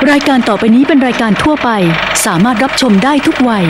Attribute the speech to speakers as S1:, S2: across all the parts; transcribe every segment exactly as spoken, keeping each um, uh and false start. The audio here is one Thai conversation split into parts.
S1: รายการต่อไปนี้เป็นรายการทั่วไปสามารถรับชมได้ทุกวัย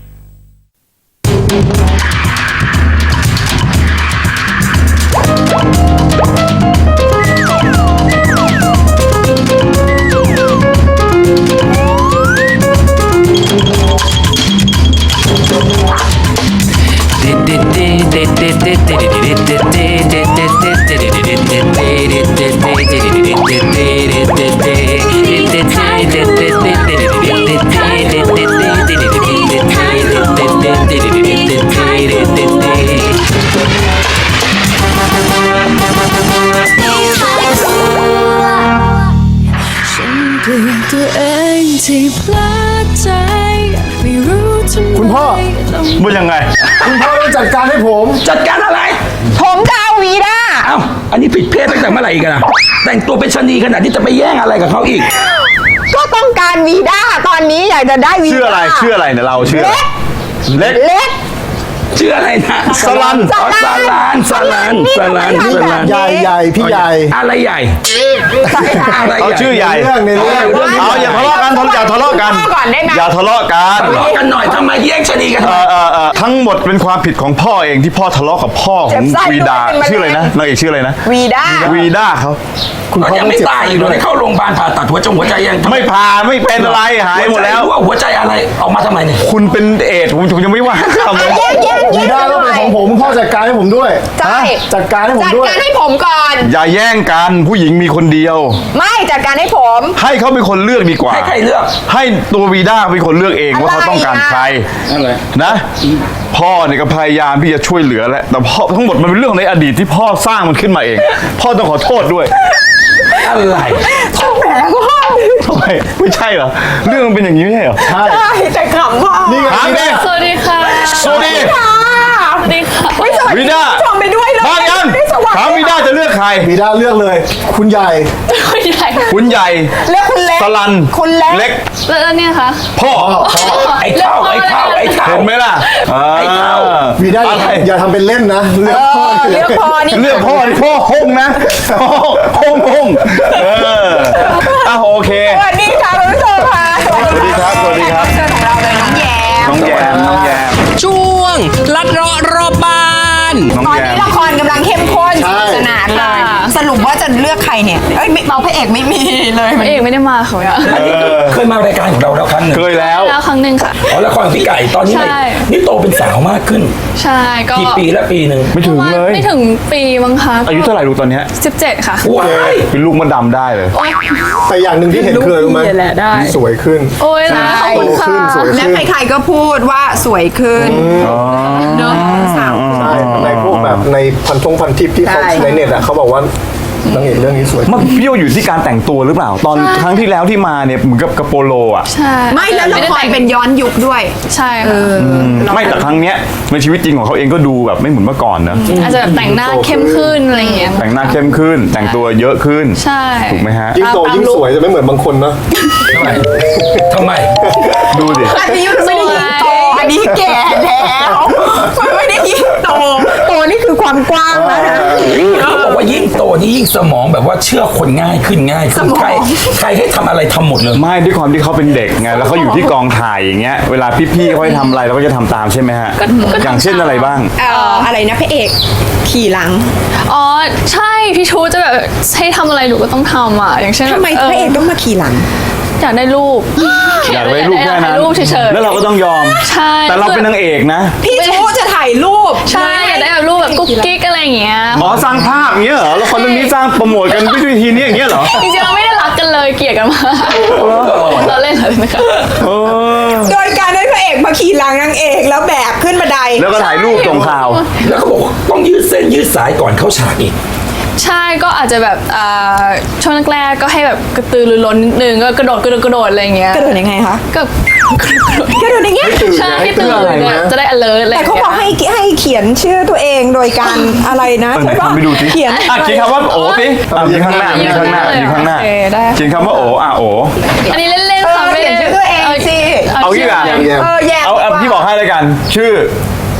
S2: คุณพ่อว่ายังไงคุณพ่อต้องจัดการให้ผม
S3: จัดการอะไร
S4: ผมจะเอาวีด้า
S3: เอ้าอันนี้ผิดเพศตั้งแต่เมื่อไหร่กันอะแต่งตัวเป็นชะนีขนาดนี้จะไปแย่งอะไรกับเขาอีก
S4: ก็ต้องการวีด้าตอนนี้อยากจะได้วีด้า
S2: ชื่ออะไรชื่ออะไรเนี่ยเราชื่อเล็ก
S4: เล็ก
S3: ชื่ออะไรนะ
S2: สลัน
S3: สลันสลันสลันสลัน
S2: ใหญ่ใหญ่พี่ใหญ่
S3: อะไรใหญ่
S2: เขาชื่อใหญ่
S3: เรื่องในเรื่อง
S2: เอาอย่าทะเลาะกันอย่าทะเลาะกันอย่าทะเลาะกัน
S3: ทะเลาะกันหน่อยทำไมแย่งชะนีกัน
S2: ทั้งหมดเป็นความผิดของพ่อเองที่พ่อทะเลาะกับพ่อของวีดาชื่ออะไรนะนางเอกชื่ออะไรนะ
S4: วีด้า
S2: วีด้าเขา
S3: คุณพ่อยังไม่ตายอีกเลยเข้าโรงพยาบาลผ่าตัดหัวจงหัวใจยัง
S2: ไม่ผ่าไม่เป็นอะไรหายหมดแล้ว
S3: ว่าหัวใจอะไรออกมาทำไมเนี่ย
S2: คุณเป็นเอดผมยังไม่ว่า
S4: วีด้า
S2: ก็เป็นของผมพ่อจัดการให้ผมด้วย
S4: ใช่
S2: จัดการให้ผมด้วย
S4: จัดการให้ผมก่อน
S2: อย่าแย่งกันผู้หญิงมีคนเดียว
S4: ไม่จัดการให้ผม
S2: ให้เขาเป็นคนเลือกดีกว่า
S3: ให้ใครเลือก
S2: ให้ตัววีด้าเป็นคนเลือกเองว่าเขาต้องการใครนะพ่อเนี่ยก็พยายามที่จะช่วยเหลือแหละแต่พ่อทั้งหมดมันเป็นเรื่องในอดีตที่พ่อสร้างมันขึ้นมาเองพ่อต้องขอโทษด้วย
S3: อะไร
S4: ทำแผลพ่อ
S2: ทำไมไม่ใช่เหรอเรื่องมันเป็นอย่างนี้ไม่ใช่เหรอ
S4: ใช่แต่ขำพ่อ
S2: นี่ไง
S5: สวัสดีค่ะ
S2: สวัสดี
S5: ค่ะสวัสดีค่ะ
S2: วีด้า
S4: ชมไปด้วยเลย
S2: มายังถามวีด้าจะเลือกใคร
S6: วีด้าเลือกเลยคุณใหญ่
S5: คุณใหญ่
S2: คุณใหญ่
S4: เลือกคุณเล็ก
S2: สลัน
S4: คุณเล็ก
S2: เล็ก
S5: แล้วเนี่ยคะ
S2: พ่อ
S3: ไอ้เข้าไอ้เข้าไอ้เข้า
S2: เห็นไหมล่ะ
S3: ไอ้เข้า
S6: วีด้าอย่าทำเป็นเล่นนะ
S4: เลือกพ่อเลือกพ่อนี่
S2: เลือกพ่อนี่พ่อฮงนะฮงฮงเอออ่ะโอเค
S4: สวัสดีค่ะคุณผู้ชมค่ะ
S2: สวัสดีครับสวัสดีครับ
S4: ของเราเลยน้องแยม
S2: น้องแยมน้องแยม
S3: ช่วงลัดเลาะรอบบ้าน
S4: ตอนนี้ละครกำลังเข้มข้นสนานเลยสรุปว่าจะเลือกใครเนี่ยเอ้ยเราพระเอกไม่มีเลย
S5: พระเอกไม่ได้มาเขาเนี่ย
S3: เคยมารายการของเราแล้วครั้งหนึ่ง
S2: เคยแล้ว
S5: แล้วครั้งหนึ่งค่ะ
S3: อ๋อละครของพี่ไก่ตอนนี้นี่โตเป็นสาวมากขึ้น
S5: ใช่ก็
S3: กี่ปีแล้วปีหนึ่ง
S2: ไม่ถึงเลย
S5: ไม่ถึงปีมั้งคะ
S2: อายุเท่าไหร่ลูกตอนนี้
S5: สิบเจ็ดค่ะ
S3: ว้าย
S2: เป็นลูกมะดำได้เลย
S6: แต่อย่างหนึ่งที่เห็นคือรู้ไหมสวยขึ้น
S5: โอ้ยนะขอบคุณค่ะ
S4: และใครๆก็พูดว่าสวยขึ้นเนาะสาว
S6: ในพวกแบบในพันทงพันทิปที่เขาในเน็ตอ่ะเขาบอกว่านางเอกเรื่องนี้สวย
S2: มันพี่ว่าอยู่ที่การแต่งตัวหรือเปล่าตอนครั้งที่แล้วที่มาเนี่ยเหมือนกับกระโปโลอ่ะ
S5: ใช่
S4: ไม่แล้วละครเป็นย้อนยุคด้วย
S5: ใช่
S2: ไม่แต่ครั้งเนี้ยในชีวิตจริงของเขาเองก็ดูแบบไม่เหมือนเมื่อก่อนนะ
S5: อาจจะแบบแต่งหน้าเข้มขึ้นอะไรอย่างเงี้ย
S2: แต่งหน้าเข้มขึ้นแต่งตัวเยอะขึ้น
S5: ใช่
S2: ถูกไหมฮะ
S6: ยิ่งโตยิ่งสวยจะไม่เหมือนบางคนนะ
S3: ทำไมทำไม
S2: ดูดิ
S4: อันนี้ไม่ได้ยิ่งโตอันนี้แก่แล้วมันไม่ได้ยิ่งโตโตนี่คือความกว้างนะ
S3: เขาบอกว่ายิ่งโตนี่ยิ่งสมองแบบว่าเชื่อคนง่ายขึ้นง่ายขึ้นใครใครให้ทำอะไรทำหมดเลย
S2: ไม่ด้วยความที่เขาเป็นเด็กไงแล้วเขาอยู่ที่กองถ่ายอย่างเงี้ยเวลาพี่ๆเขาให้ทำอะไรเราก็จะทำตามใช่ไหมฮะอย่างเช่นอะไรบ้าง
S4: เอ่ออะไรนะพระเอกขี่หลัง
S5: อ๋อใช่พี่ชูจะแบบให้ทำอะไรหนูก็ต้องทำอ่ะอย่างเช่น
S4: ทำไมพระเอกต้องมาขี่หลัง
S5: อยากได้รูป
S2: อยากได้รูปแค่นั้น
S5: รูปเฉยๆ
S2: แล้วเราก็ต้องยอม
S5: ใช่
S2: แต่เราเป็นนางเอกนะ
S4: พี่ชูจะถ่ายรูป
S5: ใช่อยากได้แบบรูปแบบกุ๊กกิ๊กอะไรอย่างเงี้ย
S2: อ๋อสร้างภาพอย่างเงี้ยเหรอแล้วคนเรื่องนี้สร้างโปรโมทกันด้วยวิธีนี้อย่างเงี้ยเหรอ
S5: จริงๆเราไม่ได้รักกันเลยเกลียดกันมาเราเล่นเลยนะคะ
S4: โดยการให้พระเอกมาขี่หลังนางเอกแล้วแบกขึ้นบันได
S2: แล้วก็ถ่ายรูปตรงข่าว
S3: แล้วก็บอกต้องยืดเส้นยืดสายก่อนเข้าฉากอีก
S5: ใช่ก็อาจจะแบบช่วงแรกๆก็ให้แบบกระตือรือร้นนิดนึงก็กระโดดกระโดดกระโดดอะไรเงี้ย
S4: กระโดดยังไงคะ
S5: ก็
S4: กระโดดอย่างเงี้ย
S5: ใช่ให้ตื่นจะได้ alert อะไร
S4: แต่เขาบอกให้ให้เขียนชื่อตัวเองโดยการอะไรนะ
S2: ใช่ป่ะไปดูสิ
S4: เขียน
S2: อ่ะเขียนคำว่าโอ๋สิยืนข้างหน้ายืนข้างหน้ายืนข้างหน้าเขียนคำว่าโอ๋อ่ะโอ๋
S5: อันนี้เล่นๆค่ะ
S4: เขียนชื่อตัวเองสิ
S2: เอางี้อ่ะ
S4: เออแย่
S2: เอาพี่บอกให้แล้วกันชื่อ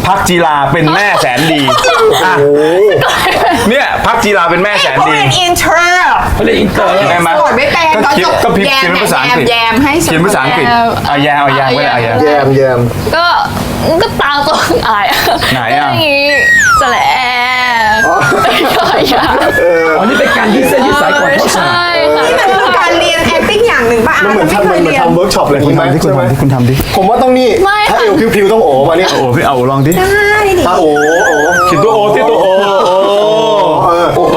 S2: พักจีราเป็นแม่แสนดีอ่ะเนี่ยพักจีราเป็นแม่แสน
S4: เขา
S2: ดี
S4: เรียนอินเทอร์
S3: เขาเรียกอินเตอร์
S2: ได้ไหม
S4: สดไม่เป็น
S2: ก็
S4: ตอน
S2: เขีย
S4: จ
S2: น
S4: บ
S2: ก็พิมพ์
S4: แย
S2: เขียน
S4: ม
S2: เป็นภาษาอังกฤษ
S5: แยมให้ส
S2: เขียนภาษาอังกฤษเอาแยมเอาแยมไว้เลยเอาแยม
S6: แยมแยม
S5: ก็ก็ตามตัวอาย
S2: ไหนอะ
S5: ก็อย่างงี้จะแหละก็อย่า
S3: อ๋อนี่เป็นการยืดเส้นยืดสายก่อนเข้าฉาก
S5: ใช่ค่ะ
S4: นี่มันคือการเรียน acting อย่างหนึ่งป่ะ
S6: มันเหมือน
S4: ไม่
S6: ทำ
S4: เค
S6: มัน
S4: ย
S6: เหมือน
S4: เรียน
S6: ทำเวิร์กช็อปอะไรอย่าง
S2: คุณ
S6: นี้ไหม
S2: ทำที่คุณ
S6: ใช่ไหม
S2: ทำที่คุณทำดิ
S6: ผมว่าต้องนี่
S5: ไม่
S6: ถ้า
S5: ค่ะ
S6: เอวพิวๆต้องโอบมาเนี่ย
S2: โอ้พี่เอาลองดิ
S4: ได้ดิ
S6: ถ้าโอ้โอ้
S2: เขียนตัวโอที่ตัวโอโอ
S6: เออโอ้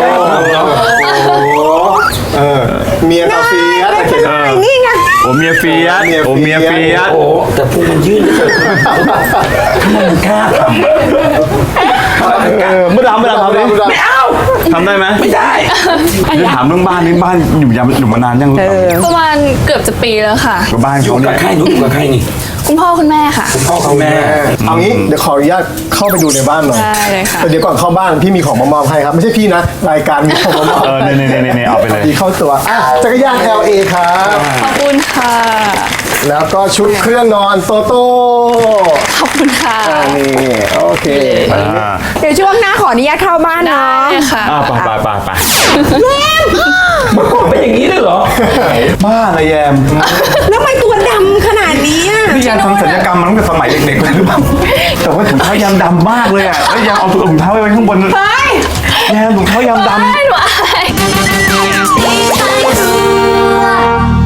S6: เออเมียตาเฟียสเขียน
S4: ได้นี่ไง
S2: โอเมียเฟียสโอเมียเฟียส
S3: โอ้แต่พุงมันยื่นเหลือเกินทำไมมันกล้าทำ
S2: เออเมื่อดำเมื่อดำทำดิ
S3: ไม่เอา
S2: ทำได้ไหม
S3: ไม่ได้
S2: จะถามเรื่องบ้านนี่บ้านอยู่ยามอยู่มานานยัง
S5: ประมาณเกือบจะปีแล้วค่ะ
S2: กับบ้าน
S3: อยู่
S2: เขา
S3: กั
S2: เนี่
S3: บ
S2: ย
S3: ใครหนูอยู่กับใครนี่
S5: คุณพ่อคุณแม่ค่ะ
S3: พ่อกับแม่
S6: เอางี้เดี๋ยวขออนุญาตเข้าไปดูในบ้านหน่อย
S5: ได้เลยค่ะ
S6: แต่เดี๋ยวก่อนเข้าบ้านพี่มีของมามอบให้ครับไม่ใช่พี่นะรายการมีของมามอบ
S2: เออเนี่ยเนี่ยเนี่ยเนี่ยเอาไปเลย
S6: พี่เข้าตัวอ่ะจักรยาน แอล เอ ครับ
S5: ขอบคุณค่ะ
S6: แล้วก็ชุดเครื่องนอนโตโต้
S5: ขอบคุณค่ะ
S6: อ่านี่โอเค
S2: อ่า
S4: เดี๋ยวช่วงหน้าขออนุญาตเข้าบ้านเนาะ
S5: ได้ค่ะ
S2: อ่าไปไปไปไป
S3: เมื่อก่อนเป็นอย่างนี้เลยเหรอ
S2: บ้าอะไรแยม
S4: แล้วทำไมตัวดำขนาดนี้อะ
S2: พี่แยมทำศัลยกรรมมาตั้งแต่สมัยเด็กๆเลยหรือเปล่าแต่ว่าถุงเท้ายามดำมากเลยอ่ะแล้วแยมเอาถุงเท้าไว้ข้างบน
S4: เฮ้ย
S2: แยมถุงเท้ายามดำ
S5: ไม่ไหว